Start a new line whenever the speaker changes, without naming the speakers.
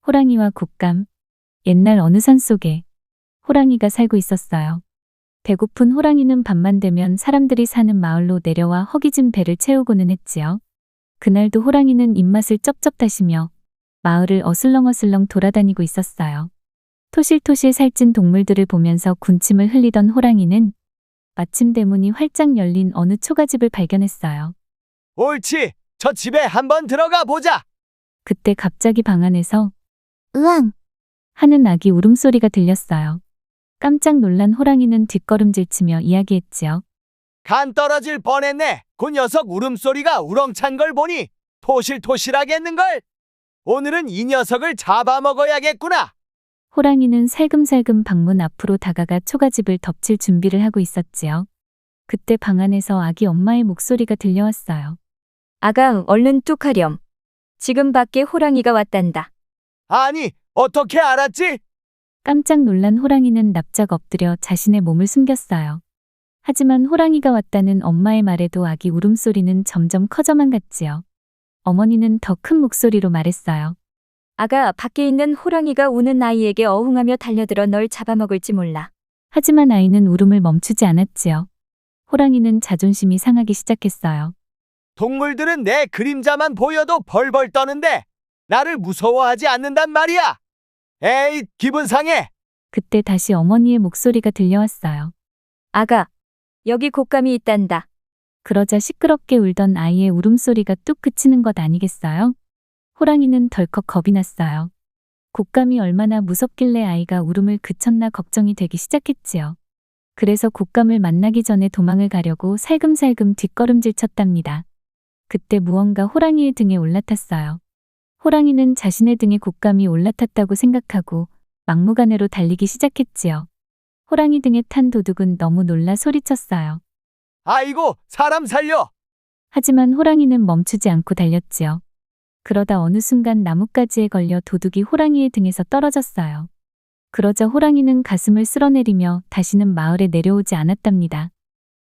호랑이와 곶감. 옛날 어느 산 속에 호랑이가 살고 있었어요. 배고픈 호랑이는 밤만 되면 사람들이 사는 마을로 내려와 허기진 배를 채우고는 했지요. 그날도 호랑이는 입맛을 쩝쩝 다시며 마을을 어슬렁어슬렁 돌아다니고 있었어요. 토실토실 살찐 동물들을 보면서 군침을 흘리던 호랑이는 마침 대문이 활짝 열린 어느 초가집을 발견했어요.
옳지, 저 집에 한번 들어가 보자.
그때 갑자기 방 안에서
으앙!
하는 아기 울음소리가 들렸어요. 깜짝 놀란 호랑이는 뒷걸음질치며 이야기했지요.
간 떨어질 뻔했네. 그 녀석 울음소리가 우렁찬 걸 보니 토실토실하겠는걸. 오늘은 이 녀석을 잡아먹어야겠구나.
호랑이는 살금살금 방문 앞으로 다가가 초가집을 덮칠 준비를 하고 있었지요. 그때 방 안에서 아기 엄마의 목소리가 들려왔어요.
아가, 얼른 뚝하렴. 지금 밖에 호랑이가 왔단다.
아니, 어떻게 알았지?
깜짝 놀란 호랑이는 납작 엎드려 자신의 몸을 숨겼어요. 하지만 호랑이가 왔다는 엄마의 말에도 아기 울음소리는 점점 커져만 갔지요. 어머니는 더 큰 목소리로 말했어요.
아가, 밖에 있는 호랑이가 우는 아이에게 어흥하며 달려들어 널 잡아먹을지 몰라.
하지만 아이는 울음을 멈추지 않았지요. 호랑이는 자존심이 상하기 시작했어요.
동물들은 내 그림자만 보여도 벌벌 떠는데 나를 무서워하지 않는단 말이야. 에이, 기분 상해.
그때 다시 어머니의 목소리가 들려왔어요.
아가, 여기 곶감이 있단다.
그러자 시끄럽게 울던 아이의 울음소리가 뚝 그치는 것 아니겠어요? 호랑이는 덜컥 겁이 났어요. 곶감이 얼마나 무섭길래 아이가 울음을 그쳤나 걱정이 되기 시작했지요. 그래서 곶감을 만나기 전에 도망을 가려고 살금살금 뒷걸음질 쳤답니다. 그때 무언가 호랑이의 등에 올라탔어요. 호랑이는 자신의 등에 곶감이 올라탔다고 생각하고 막무가내로 달리기 시작했지요. 호랑이 등에 탄 도둑은 너무 놀라 소리쳤어요.
아이고, 사람 살려.
하지만 호랑이는 멈추지 않고 달렸지요. 그러다 어느 순간 나뭇가지에 걸려 도둑이 호랑이의 등에서 떨어졌어요. 그러자 호랑이는 가슴을 쓸어내리며 다시는 마을에 내려오지 않았답니다.